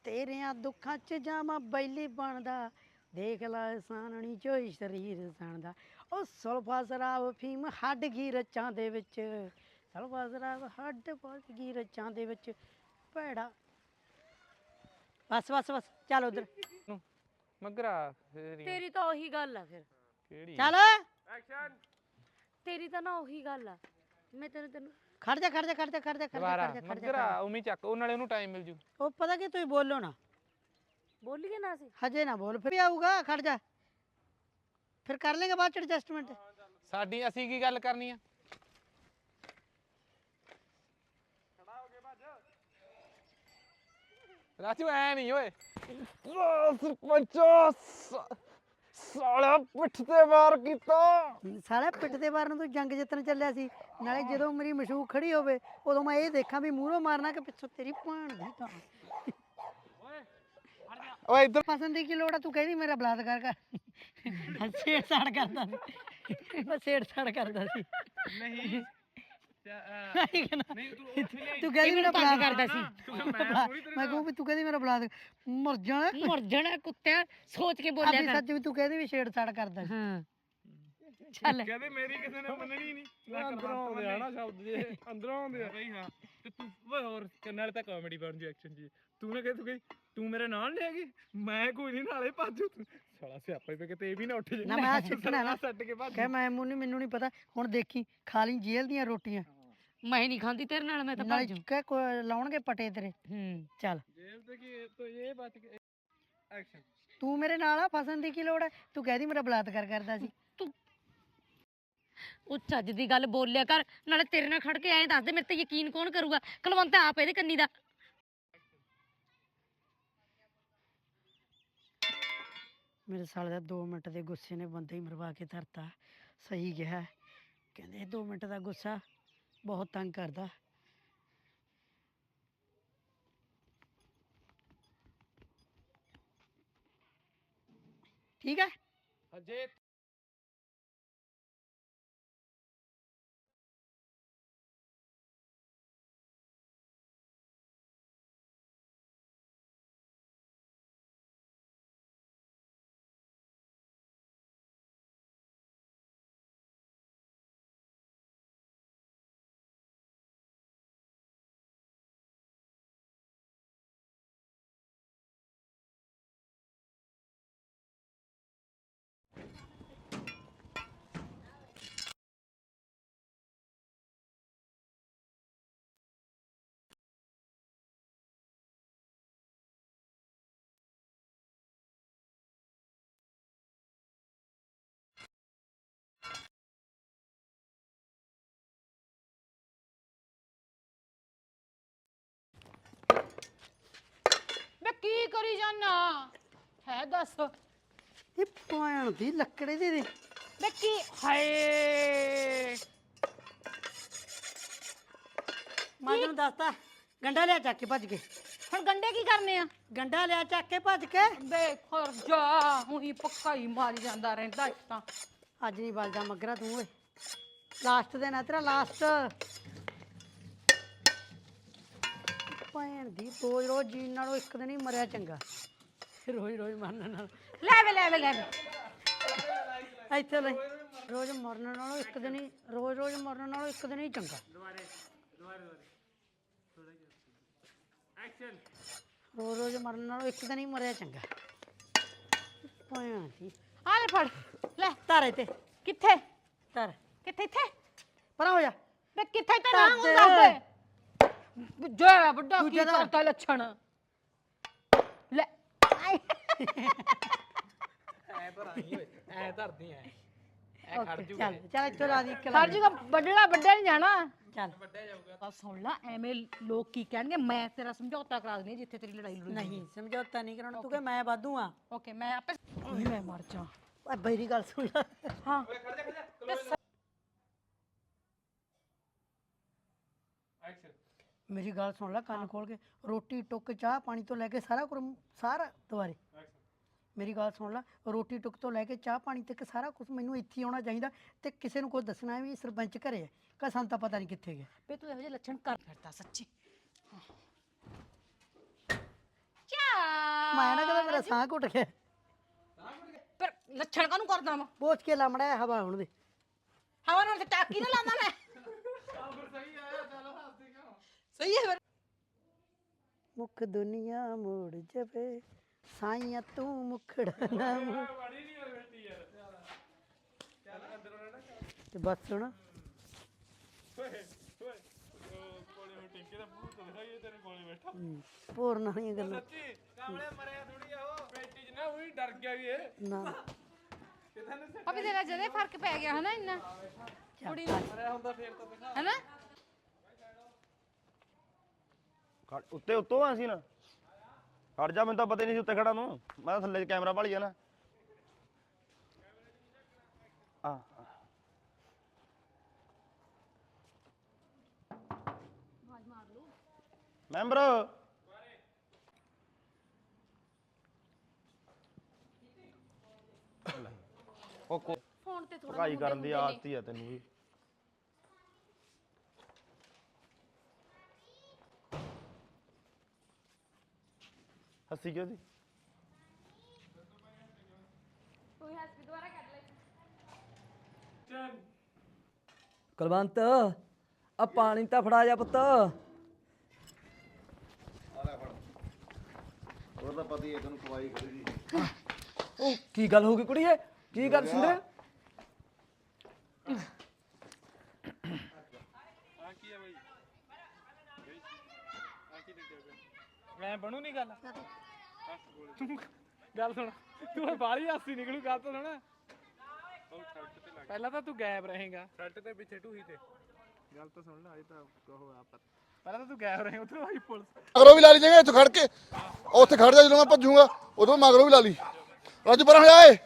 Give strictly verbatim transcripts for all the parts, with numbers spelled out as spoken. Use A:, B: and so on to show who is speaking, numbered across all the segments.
A: ਤੇਰਿਆਂ ਦੁੱਖਾਂ 'ਚ ਜਾਵਾਂ ਬੈਲੀ ਬਣਦਾ ਦੇਖ ਲੈ ਸਾਨਣੀ ਚੋਈ ਸਰੀਰ ਸਣਦਾ ਉਹ ਸੁਲਫਾ ਸ਼ਰਾਬ ਫੀਮ ਹੱਡ ਗਈ ਰੱਚਾਂ ਦੇ ਵਿੱਚ ਸੁਲਫਾ ਸ਼ਰਾਬ ਹੱਡ ਪੱਜ ਗਈ ਰੱਚਾਂ ਦੇ ਵਿੱਚ ਭੈੜਾ ਬਸ ਬਸ ਬਸ ਚੱਲ ਉਧਰ
B: ਮਗਰਾ
C: ਤੇਰੀ ਤਾਂ ਉਹੀ ਗੱਲ ਆ ਫਿਰ
B: ਕਿਹੜੀ
A: ਚੱਲ
B: ਐਕਸ਼ਨ
C: ਤੇਰੀ ਤਾਂ ਨਾ ਉਹੀ ਗੱਲ ਆ ਮੈਂ ਤੈਨੂੰ ਤੈਨੂੰ
A: ਖੜ ਜਾ ਖੜ ਜਾ ਖੜ ਜਾ ਖੜ ਜਾ ਖੜ ਜਾ
B: ਦੁਬਾਰਾ
A: ਖੜ ਜਾ ਖੜ
B: ਮਗਰਾ
A: ਜਾ
B: ਉਮੀ ਚੱਕ ਉਹ ਨਾਲੇ ਉਹਨੂੰ ਟਾਈਮ ਮਿਲ ਜੂ
A: ਉਹ ਪਤਾ ਕੀ ਤੁਸੀਂ ਬੋਲੋ ਨਾ
C: ਬੋਲੀਏ ਨਾ ਸੀ
A: ਹਜੇ ਨਾ ਬੋਲ ਫਿਰ ਆਊਗਾ ਖੜ ਜਾ ਫਿਰ ਕਰ ਲੇਗਾ ਬਾਅਦ ਚ ਐਡਜਸਟਮੈਂਟ
B: ਸਾਡੀ ਅਸੀਂ ਕੀ ਗੱਲ ਕਰਨੀ ਆ ਰਾਜੂ ਐ ਨਹੀਂ ਓਏ ਸਰਪੰਚ ਸਾਲਾ ਪਿੱਠ ਤੇ ਵਾਰ ਕੀਤਾ
A: ਸਾਲਾ ਪਿੱਠ ਤੇ ਮਾਰਨ ਤੂੰ ਜੰਗ ਜਿੱਤਣ ਚੱਲਿਆ ਸੀ ਨਾਲੇ ਜਦੋਂ ਮੇਰੀ ਮਸ਼ੂਕ ਖੜੀ ਹੋਵੇ ਉਦੋਂ ਮੈਂ ਇਹ ਦੇਖਾਂ ਵੀ ਮੂਹਰੋਂ ਮਾਰਨਾ ਕਿ ਪਿੱਛੋਂ ਤੇਰੀ ਭਾਣ ਦੀ ਤਾਂ
B: ਓਏ ਇੱਧਰ
A: ਫਸਣ ਦੀ ਕੀ ਲੋੜ ਆ ਤੂੰ ਕਹਿੰਦੀ ਮੇਰਾ ਬਲਾਤਕਾਰ ਕਰ ਛੇੜ ਛਾੜ ਕਰਦਾ ਸੀ ਮੈਂ ਛੇੜ ਛਾੜ ਕਰਦਾ ਸੀ
B: ਨਹੀਂ
A: ਨਹੀਂ ਤੂੰ ਕਹਿੰਦੀ ਮੇਰਾ ਬਲਾਤ ਕਰਦਾ ਸੀ ਮੈਂ ਕਹੂੰ ਵੀ ਤੂੰ ਕਹਿੰਦੀ ਮੇਰਾ ਬਲਾਤ ਮਰ ਜਾਣਾ
C: ਮਰ ਜਾਣਾ ਕੁੱਤਿਆ ਸੋਚ ਕੇ ਬੋਲਿਆ
A: ਆਪਣੀ
C: ਕਰ
A: ਸੱਚ ਵੀ ਤੂੰ ਕਹਿੰਦੀ ਵੀ ਛੇੜ ਛਾੜ ਕਰਦਾ ਸੀ
C: ਹਾਂ ਚੱਲ
B: ਕਹਿੰਦੇ ਮੇਰੀ ਕਿਸੇ ਨੇ ਮੰਨਣੀ ਨਹੀਂ ਅੰਦਰੋਂ ਆਉਂਦੇ ਆ ਨਾ ਸ਼ਬਦ ਜੇ ਅੰਦਰੋਂ ਆਉਂਦੇ ਆ ਬਈ ਹਾਂ ਤੇ ਤੂੰ ਓਏ ਹੋਰ ਨਾਲ ਤਾਂ ਕਾਮੇਡੀ ਬਣ ਜੂ ਐਕਸ਼ਨ ਜੀ ਤੂੰ ਨਾ ਕਹਿ ਤੂੰ ਕਹੀ ਤੂੰ ਮੇਰੇ ਨਾਲ ਲੈ ਗਈ ਮੈਂ ਕੋਈ ਨਹੀਂ ਨਾਲੇ ਭੱਜੂ ਤੂੰ ਸਾਲਾ ਸਿਆਪਾ ਹੀ ਪੇ ਕਿਤੇ ਇਹ ਵੀ ਨਾ ਉੱਠ ਜੇ
A: ਨਾ ਮੈਂ ਸਿੱਟਣਾ ਨਾ
B: ਛੱਡ ਕੇ ਭੱਜ
A: ਕਹਿ ਮੈਂ ਮੈਨੂੰ ਮੈਨੂੰ ਨਹੀਂ ਪਤਾ ਹੁਣ ਦੇਖੀ ਖਾ ਲਈ ਜੇਲ੍ਹ ਦੀਆਂ ਰੋਟੀਆਂ
C: ਮੈਂ ਨਹੀਂ ਖਾਂਦੀ ਤੇਰੇ ਨਾਲ ਮੈਂ ਤਾਂ
A: ਨਾਲੇ
C: ਭੱਜੂ
A: ਕਹਿ ਕੋ- ਲਾਉਣਗੇ ਪਟੇ ਤੇਰੇ
C: ਹੂੰ
A: ਚੱਲ
B: ਜੇਬ ਤੇ ਕੀ ਤੋ ਇਹ ਬਚ ਕੇ ਐਕਸ਼ਨ
A: ਤੂੰ ਮੇਰੇ ਨਾਲ ਆ ਫਸਣ ਦੀ ਕੀ ਲੋੜ ਹੈ ਤੂੰ ਕਹਿਦੀ ਮੇਰਾ ਬਲਾਤਕਾਰ ਕਰਦਾ ਸੀ
C: ਉਹ ਚੱਜ ਦੀ ਗੱਲ ਬੋਲਿਆ ਕਰ ਨਾਲੇ ਤੇਰੇ ਨਾਲ ਖੜ ਕੇ ਐਂ ਦੱਸ ਦੇ ਮੇਰੇ ਤੇ ਯਕੀਨ ਕੌਣ ਕਰੂਗਾ ਕੁਲਵੰਤ ਆਪ ਇਹਦੇ ਕੰਨੀ ਦਾ
A: ਮੇਰੇ ਸਾਲੇ ਦਾ ਦੋ ਮਿੰਟ ਦੇ ਗੁੱਸੇ ਨੇ ਬੰਦੇ ਹੀ ਮਰਵਾ ਕੇ ਧਰਤਾ ਸਹੀ ਕਿਹਾ ਕਹਿੰਦੇ ਦੋ ਮਿੰਟ ਦਾ ਗੁੱਸਾ ਬਹੁਤ ਤੰਗ ਕਰਦਾ ਠੀਕ ਹੈ
B: ਅਜੇ
C: ਮੈਂ ਕੀ ਕਰੀ ਜਾਨਾ ਹੈ ਦੱਸ
A: ਇਹ ਪੁਆਣ ਦੀ ਲੱਕੜੇ ਦੇ ਦੇ
C: ਮੈਂ ਕੀ ਹਾਏ
A: ਮੈਂ ਤੈਨੂੰ ਦੱਸਤਾ ਗੰਡਾ ਲਿਆ ਚੱਕ ਕੇ ਭੱਜ ਕੇ
C: ਹੁਣ ਗੰਡੇ ਕੀ ਕਰਨੇ ਆ
A: ਗੰਡਾ ਲਿਆ ਚੱਕ ਕੇ ਭੱਜ ਕੇ
C: ਦੇਖ ਖਰ ਜਾ ਉਹੀ ਪੱਕਾ ਹੀ ਮਾਰੀ ਜਾਂਦਾ ਰਹਿੰਦਾ ਇੱਕ ਤਾਂ
A: ਅੱਜ ਨਹੀਂ ਬਲਦਾ ਮਗਰਾ ਤੂੰ ਓਏ ਲਾਸਟ ਦਿਨ ਆ ਤੇਰਾ ਲਾਸਟ ਭੈਣ ਦੀ ਰੋਜ਼ ਰੋਜ਼ ਜੀਣ ਨਾਲੋਂ ਇੱਕ ਦਿਨ ਹੀ ਮਰਿਆ ਚੰਗਾ ਰੋਜ਼ ਰੋਜ਼ ਮਰਨ ਨਾਲ
C: ਲੈ ਵੇ ਲੈ ਵੇ ਲੈ ਵੇ
A: ਇੱਥੇ ਲੈ ਰੋਜ਼ ਮਰਨ ਨਾਲੋਂ ਇੱਕ ਦਿਨ ਹੀ ਰੋਜ਼ ਰੋਜ਼ ਮਰਨ ਨਾਲੋਂ ਇੱਕ ਦਿਨ ਹੀ ਚੰਗਾ
B: ਐਕਸ਼ਨ
A: ਰੋਜ਼ ਰੋਜ਼ ਮਰਨ ਨਾਲੋਂ ਇੱਕ ਦਿਨ ਹੀ ਮਰਿਆ ਚੰਗਾ ਭੈਣ ਦੀ
C: ਆ ਲੈ ਫੜ ਲੈ
A: ਧਰ ਇੱਥੇ
C: ਕਿੱਥੇ
A: ਧਰ
C: ਕਿੱਥੇ ਇੱਥੇ
A: ਪਰਾਂ ਹੋ ਜਾ
C: ਵੇ ਕਿੱਥੇ ਤੇ
A: ਧਰ
C: ਨਾ
A: ਦੇ।
C: ਦੱਸ ਦੇ ਜਾ ਵੱਡਾ ਕੀ
A: ਦੂਜੇ ਦਾ।
C: ਕਰਤਾ ਲੱਛਣ ਲੈ
B: ਐ ਧਰਾਂਗੀ ਓਏ ਐ ਧਰਦੀ ਐ ਐ ਖੜ ਜੂ
A: ਚੱਲ ਚੱਲ ਇੱਥੋਂ ਲਾ ਦੀ ਇੱਕ
C: ਸਰ ਜੀ ਦਾ ਵੱਡੜਾ ਵੱਡਾ ਨਹੀਂ ਜਾਣਾ
A: ਚੱਲ
C: ਆ ਸੁਣ ਲੈ ਐਵੇਂ ਲੋਕ ਕੀ ਕਹਿਣਗੇ ਮੈਂ ਤੇਰਾ ਸਮਝੌਤਾ ਕਰਾ ਦਿੰਦੀ ਹਾਂ ਜਿੱਥੇ ਤੇਰੀ ਲੜਾਈ ਲੜੂਈ
A: ਨਹੀਂ ਸਮਝੌਤਾ ਨਹੀਂ ਕਰਾਉਣਾ ਤੂੰ ਕਿ ਮੈਂ ਵਾਧੂ ਆ
C: ਓਕੇ ਮੈਂ ਆਪੇ ਓਏ ਮੈਂ ਮਰ ਜਾ
A: ਓਏ ਬੈਰੀ ਗੱਲ ਸੁਣ ਲੈ
C: ਹਾਂ
B: ਐਕਸ਼ਨ
A: ਮੇਰੀ ਗੱਲ ਸੁਣ ਲੈ ਕੰਨ ਖੋਲ ਕੇ ਰੋਟੀ ਟੁੱਕ ਚਾਹ ਪਾਣੀ ਤੋਂ ਲੈ ਕੇ ਸਾਰਾ ਕੁਝ ਸਾਰਾ ਦੁਬਾਰੇ ਮੇਰੀ ਗੱਲ ਸੁਣ ਲੈ ਰੋਟੀ ਟੁੱਕ ਤੋਂ ਲੈ ਕੇ ਚਾਹ ਪਾਣੀ ਤੱਕ ਸਾਰਾ ਕੁਝ ਮੈਨੂੰ ਇੱਥੇ ਹੀ ਆਉਣਾ ਚਾਹੀਦਾ ਤੇ ਕਿਸੇ ਨੂੰ ਕੁਝ ਦੱਸਣਾ ਵੀ ਸਰਪੰਚ ਘਰੇ ਹੈ ਕਿ ਸਾਨੂੰ ਤਾਂ ਪਤਾ ਨਹੀਂ ਕਿੱਥੇ ਗਿਆ
C: ਵੇ ਤੂੰ ਇਹੋ ਜਿਹੇ ਲੱਛਣ ਕਰ ਫਿਰਦਾ ਸੱਚੀ ਚਾ
A: ਮੈਂ ਨਾ ਕਹਿੰਦਾ ਮੇਰਾ ਸਾਹ ਘੁੱਟ ਗਿਆ
C: ਫਿਰ ਲੱਛਣ ਕਾਹਨੂੰ ਕਰਦਾ ਵਾ
A: ਪੋਚ ਕੇ ਲਮੜਾ ਹਵਾ ਹੁਣ ਦੇ
C: ਹਵਾ ਨਾਲ ਤੇ ਟਾਕੀ ਨਾ ਲਾਉਂਦਾ ਮੈਂ ਸਹੀ ਹੈ ਫਿਰ
A: ਮੁਖ ਦੁਨੀਆ ਮੋੜ ਜਵੇ ਸਾਈਆਂ ਤੂੰ ਮੁਖੜਾ ਨਾ ਮੋੜ। ਤੇ ਬਸ ਸੁਣ ਹੋਰ ਨਹੀਂ ਗੱਲਾਂ
B: ਡਰ ਗਿਆ ਵੀ ਇਹ
A: ਨਾ
C: ਅਭੀ ਤੇਰਾ ਜਦੇ ਫਰਕ ਪੈ ਗਿਆ ਹਨਾ ਇੰਨਾ ਕੁੜੀ ਨੂੰ ਹਨਾ
D: ਉੱਤੇ ਉੱਤੋਂ ਆ ਅਸੀਂ ਨਾ ਹਟ ਜਾ ਮੈਨੂੰ ਤਾਂ ਪਤਾ ਹੀ ਨਹੀਂ ਸੀ ਉੱਤੇ ਖੜਾ ਨੂੰ ਮੈਂ ਤਾਂ ਥੱਲੇ ਕੈਮਰਾ ਭਾਲੀ ਆ ਨਾ ਆ ਮੈਂਬਰ ਉਹ
C: ਫੋਨ ਤੇ ਥੋੜਾ
D: ਭਗਾਈ ਕਰਨ ਦੀ ਆਦਤ ਹੀ ਆ ਤੈਨੂੰ ਵੀ ਹੱਸੀ ਕਿਉਂ ਸੀ
C: ਕੋਈ ਹੱਸ ਵੀ ਦੁਬਾਰਾ ਕੱਢ ਲੈ
E: ਕੁਲਵੰਤ ਆ ਪਾਣੀ ਤਾਂ ਫੜਾ ਜਾ ਪੁੱਤ
F: ਉਹ ਤਾਂ ਪਤਾ ਹੀ ਹੈ ਤੈਨੂੰ ਖਵਾਈ ਖੜੀ ਦੀ
E: ਉਹ ਕੀ ਗੱਲ ਹੋ ਗਈ ਕੁੜੀਏ ਕੀ ਗੱਲ ਸਿੰਦਰ
B: ਆ ਕੀ ਆ ਬਾਈ ਆ ਕੀ ਦੇਖਿਆ ਮੈਂ ਬਣੂ ਨਹੀਂ ਗੱਲ ਤੂੰ ਗੱਲ ਸੁਣ ਤੂੰ ਬਾਹਲੀ ਹਾਸੀ ਨਿਕਲੂ ਗੱਲ ਤਾਂ ਸੁਣ ਪਹਿਲਾਂ ਤਾਂ ਤੂੰ ਗਾਇਬ ਰਹੇਗਾ ਛੱਟ ਤੇ ਪਿੱਛੇ ਢੂਹੀ ਤੇ ਗੱਲ ਤਾਂ ਸੁਣ ਲੈ ਅਜੇ ਤਾਂ ਕਹੋ ਆ ਪਤਾ ਪਹਿਲਾਂ ਤਾਂ ਤੂੰ ਗਾਇਬ ਰਹੇ ਉਧਰੋਂ ਆਈ ਪੁਲਿਸ
F: ਮਗਰੋਂ ਵੀ ਲਾ ਲਈ ਜਗਾ ਇੱਥੇ ਖੜ ਕੇ ਉੱਥੇ ਖੜ ਜਾ ਜਦੋਂ ਮੈਂ ਭੱਜੂਗਾ ਉਦੋਂ ਮਗਰੋਂ ਵੀ ਲਾ ਲਈ ਰਾਜੂ ਪਰਾਂ ਹੋ ਜਾਏ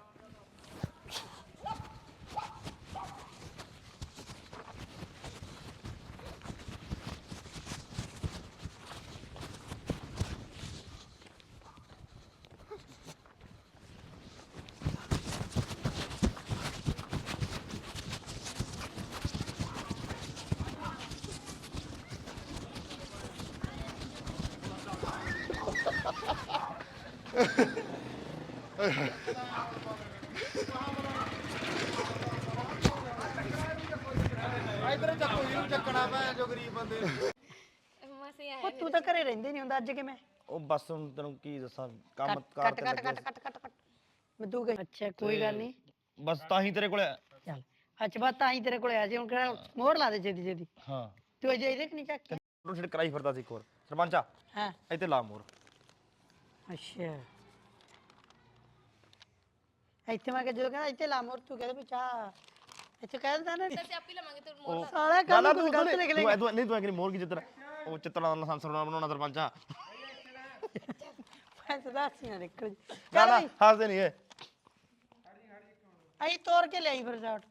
A: ਉਹ ਤੂੰ ਤਾਂ ਘਰੇ ਰਹਿੰਦੇ ਨਹੀਂ ਹੁੰਦਾ ਅੱਜ ਕਿਵੇਂ
D: ਉਹ ਬਸ ਹੁਣ ਤੈਨੂੰ ਕੀ ਦੱਸਾਂ ਕੰਮ
A: ਕੱਟ
D: ਕਾਰ
A: ਕੱਟ
D: ਤੇ
A: ਕੱਟ
D: ਲੱਗਿਆ
A: ਕੱਟ ਕੱਟ ਕੱਟ ਕੱਟ ਮੈਂ ਤੂੰ ਗਈ ਅੱਛਾ ਕੋਈ ਗੱਲ ਨਹੀਂ
D: ਬਸ ਤਾਂ ਹੀ ਤੇਰੇ ਕੋਲੇ
A: ਚੱਲ ਅੱਛਾ ਬਾਤ ਤਾਂ ਹੀ ਤੇਰੇ ਕੋਲ ਆਇਆ ਸੀ ਹੁਣ ਕਿਹੜਾ ਮੋਹਰ ਲਾ ਦੇ ਛੇਤੀ ਛੇਤੀ
D: ਹਾਂ
A: ਤੂੰ ਅਜੇ ਇਹਦੇ ਕਿ ਨਹੀਂ ਚੱਕ ਕੇ
D: ਤੂੰ ਛਿੜ ਕਰਾਈ ਫਿਰਦਾ ਸੀ ਇੱਕ ਹੋਰ ਸਰਪੰਚਾ
A: ਹਾਂ
D: ਇੱਥੇ ਲਾ ਮੋਰ
A: ਅੱਛਾ ਇੱਥੇ ਮੈਂ ਕਿ ਜਦੋਂ ਕਹਿੰਦਾ ਇੱਥੇ ਲਾ ਮੋਰ ਤੂੰ ਕਹਿੰਦਾ ਵੀ ਚਾਹ ਇੱਥੇ ਕਹਿ ਦਿੰਦਾ ਨਾ
C: ਆਪੀ ਲਵਾਂਗੇ ਤੇ
D: ਉਹ
A: ਸਾਲਾ
D: ਨਾ ਨਾ
A: ਕੰਮ
D: ਤੂੰ
A: ਗਲਤ ਲਿਖ
D: ਤੂੰ
A: ਲੈ
D: ਤੂੰ ਨਹੀਂ ਤੂੰ ਕਿ ਮੋਰ ਕੀ ਜਿੱਤਣਾ ਉਹ ਚਿੱਤਰਾਂ ਦਾ ਲਾਇਸੈਂਸ ਬਣਾਉਣਾ ਸਰਪੰਚਾ
A: ਮੈਂ ਤਾਂ ਦੱਸ ਨਾ ਨਿਕਲ
D: ਨਾ ਨਾ
A: ਚੱਲ
D: ਹੱਸਦੇ ਨਹੀਂ ਇਹ
A: ਆਈ ਤੋੜ ਕੇ ਲਿਆਈ ਫਿਰ ਸ਼ਾਟ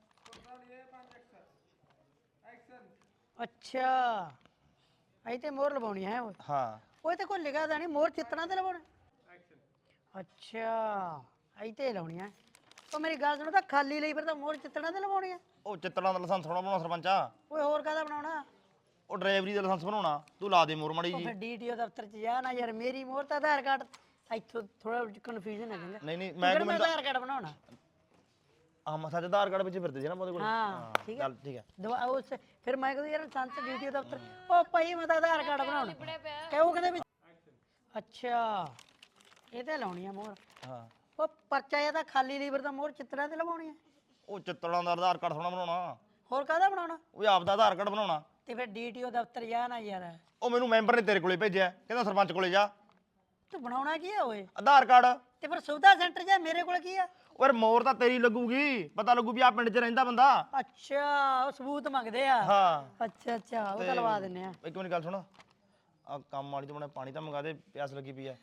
A: ਅੱਛਾ ਆਈ ਤੇ ਮੋਰ ਲਵਾਉਣੀ ਹੈ ਉਹ
D: ਹਾਂ
A: ਉਹ ਤੇ ਕੋਈ ਲਿਖਾ ਦਾ ਨਹੀਂ ਮੋਰ ਚਿੱਤਣਾ ਤੇ ਲਵਾਉਣਾ ਅੱਛਾ ਆਈ ਤੇ ਲਾਉਣੀ ਹੈ ਉਹ ਮੇਰੀ ਗੱਲ ਸੁਣੋ ਤਾਂ ਖਾਲੀ ਲਈ ਫਿਰ ਤਾਂ ਮੋਰ ਚਿੱਤਣਾ ਤੇ ਲਵਾਉਣੀ ਹੈ
D: ਉਹ ਚਿੱਤਰਾਂ ਦਾ ਲਾਇਸੈਂਸ ਬਣਾਉਣਾ ਸਰਪੰਚਾ
A: ਓਏ ਹੋਰ ਕਾਹਦਾ ਬਣਾਉਣਾ
D: ਉਹ ਡਰਾਈਵਰੀ ਦਾ ਲਾਇਸੈਂਸ ਬਣਾਉਣਾ ਤੂੰ ਲਾ ਦੇ ਮੋਰ ਮੜੀ
A: ਉਹ
D: ਜੀ
A: ਫਿਰ ਡੀਟੀਓ ਦਫ਼ਤਰ ਚ ਜਾ ਨਾ ਯਾਰ ਮੇਰੀ ਮੋਰ ਤਾਂ ਆਧਾਰ ਕਾਰਡ ਇੱਥੋਂ ਥੋੜਾ ਕਨਫਿਊਜ਼ਨ ਹੈ ਕਹਿੰਦਾ
D: ਨਹੀਂ ਨਹੀਂ
A: ਮੈਂ
D: ਮੈਂ
A: ਮੈਂ
D: ਕਿਉਂ
A: ਆਧਾਰ ਕਾਰਡ ਬਣਾਉਣਾ
D: ਆ ਮਸਾ ਚ ਆਧਾਰ ਕਾਰਡ ਵਿੱਚ ਫਿਰਦੇ ਸੀ ਨਾ ਉਹਦੇ ਕੋਲ
A: ਹਾਂ ਠੀਕ ਹੈ
D: ਚੱਲ ਠੀਕ ਹੈ
A: ਦਵਾ ਉਸ ਫਿਰ ਮੈਂ ਕਹਿੰਦਾ ਯਾਰ ਸੰਤ ਡੀਟੀਓ ਦਫ਼ਤਰ ਉਹ ਭਾਈ ਮੈਂ ਤਾਂ ਆਧਾਰ ਕਾਰਡ ਬਣਾਉਣਾ ਕਹੋ ਕਹਿੰਦੇ ਵੀ ਅੱਛਾ ਇਹ ਤੇ ਲਾਉਣੀ ਆ ਮੋਹਰ
D: ਹਾਂ
A: ਉਹ ਪਰਚਾ ਇਹ ਤਾਂ ਖਾਲੀ ਲੀਵਰ ਦਾ ਮੋਹਰ ਚਿੱਤਰਾਂ ਤੇ ਲਵਾਉਣੀ ਆ
D: ਉਹ ਚਿੱਤਰਾਂ ਦਾ ਆਧਾਰ ਕਾਰਡ ਥੋੜਾ ਬਣਾਉਣਾ
A: ਹੋਰ ਕਾਹਦਾ ਬਣਾਉਣਾ
D: ਉਹ ਆਪ ਦਾ ਆਧਾਰ ਕਾਰਡ ਬਣਾਉਣਾ
A: ਤੇ ਫਿਰ ਡੀਟੀਓ ਦਫ਼ਤਰ ਜਾ ਨਾ ਯਾਰ
D: ਉਹ ਮੈਨੂੰ ਮੈਂਬਰ ਨੇ ਤੇਰੇ ਕੋਲੇ ਭੇਜਿਆ ਕਹਿੰਦਾ ਸਰਪੰਚ ਕੋਲੇ ਜਾ
A: ਤੂੰ ਬਣਾਉਣਾ ਕੀ ਆ ਓਏ
D: ਆਧਾਰ ਕਾਰਡ
A: ਤੇ ਫਿਰ ਸੁਵਿਧਾ ਸੈਂਟਰ ਜਾ ਮੇਰੇ ਕੋਲ ਕੀ ਆ
D: ਓਏ ਮੋਰ ਤਾਂ ਤੇਰੀ ਲੱਗੂਗੀ ਪਤਾ ਲੱਗੂ ਵੀ ਆ ਪਿੰਡ 'ਚ ਰਹਿੰਦਾ ਬੰਦਾ
A: ਅੱਛਾ ਉਹ ਸਬੂਤ ਮੰਗਦੇ ਆ
D: ਹਾਂ
A: ਅੱਛਾ ਅੱਛਾ ਉਹ ਤਾਂ ਲਵਾ ਦਿੰਨੇ ਆ
D: ਇੱਕ ਮਿੰਟ ਗੱਲ ਸੁਣ ਆ ਕੰਮ ਵਾਲੀ ਤੋਂ ਬਣਾ ਪਾਣੀ ਤਾਂ ਮੰਗਾ ਦੇ ਪਿਆਸ ਲੱਗੀ ਪਈ ਐ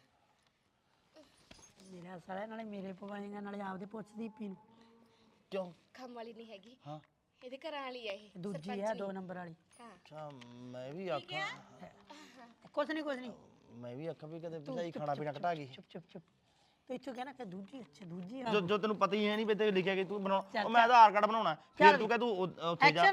A: ਮੇਰਾ ਸਾਲਾ ਨਾਲੇ ਮੇਰੇ ਪਵਾਏਗਾ ਨਾਲੇ ਆਪਦੇ ਪੁੱਛਦੀ ਪੀ ਨੂੰ
D: ਕਿਉਂ
G: ਕੰਮ ਵਾਲੀ ਨਹੀਂ ਹੈਗੀ
D: ਹਾਂ
G: ਇਹਦੇ ਘਰਾਂ ਵਾਲੀ ਆ ਇਹ
A: ਦੂਜੀ ਆ ਦੋ ਨੰਬਰ ਵਾਲੀ
D: ਅੱਛਾ ਮੈਂ ਵੀ ਆਖਾਂ
A: ਕੁਛ ਨਹੀਂ ਕੁਛ ਨਹੀਂ
D: ਮੈਂ ਵੀ ਆਖਾਂ ਵੀ ਕਦੇ ਭਜਾਈ ਖਾਣਾ ਪੀਣਾ ਘਟਾ ਗਈ
A: ਚੁੱਪ ਚੁੱਪ ਚੁੱਪ ਤੂੰ ਇੱਥੋਂ ਕਹਿਣਾ ਕਿ ਦੂਜੀ ਅੱਛਾ ਦੂਜੀ ਆ
D: ਜੋ ਜੋ ਤੈਨੂੰ ਪਤਾ ਹੀ ਹੈ ਨਹੀਂ ਵੀ ਤੇ ਲਿਖਿਆ ਕਿ ਤੂੰ ਬਣਾਉਣਾ ਉਹ ਮੈਂ ਆਧਾਰ ਕਾਰਡ ਬਣਾਉਣਾ ਫਿਰ ਤੂੰ ਕਹ ਤੂੰ ਉ- ਉੱਥੇ ਜਾ
A: ਐਕਸ਼ਨ